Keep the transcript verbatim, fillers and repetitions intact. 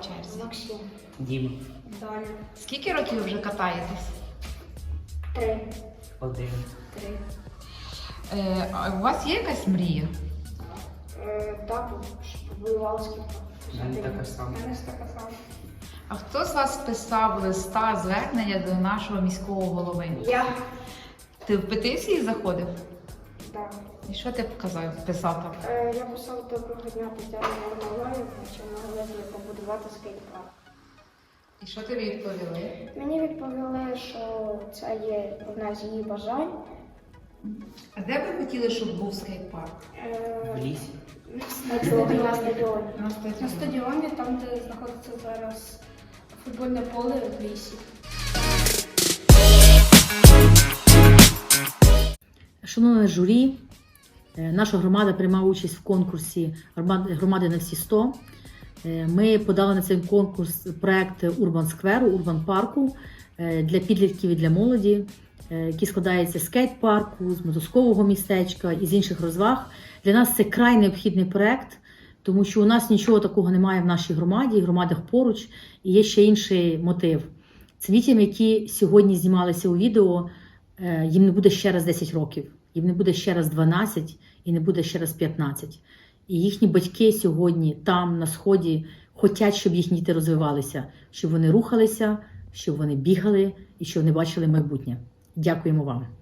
черзі? Максим. Діма. Даня. Скільки років ви вже катаєтесь? Три. Один. Три. Е, а у вас є якась мрія? Е, Тато, щоб воював скільки. У мене така сама. У мене така сама. А хто з вас писав листа звернення до нашого міського голови? Я. Ти в петиції заходив? Так. І що ти показав, писав там? Е, Я писав доброго дня Тетяні Миколаївні, що могли б побудувати скейт-парк. І що тобі відповіли? Мені відповіли, що це є одна з її бажань. А де б ви хотіли, щоб був скейт-парк? Е, В лісі. На стадіоні. На стадіоні. На На стадіоні. стадіоні, там, де знаходиться зараз футбольне поле в лісі. Шановне журі, е, наша громада приймала участь в конкурсі «Громади громади на всі сто». Е, Ми подали на цей конкурс проект Урбан Скверу, Урбан парку е, для підлітків і для молоді, е, який складається з скейт-парку, з мотузкового містечка і з інших розваг. Для нас це край необхідний проект, тому що у нас нічого такого немає в нашій громаді, в громадах поруч, і є ще інший мотив. Це дітям, які сьогодні знімалися у відео, е, їм не буде ще раз десять років, їм не буде ще раз дванадцять і не буде ще раз п'ятнадцять. І їхні батьки сьогодні там, на Сході, хочуть, щоб їхні діти розвивалися, щоб вони рухалися, щоб вони бігали і щоб вони бачили майбутнє. Дякуємо вам.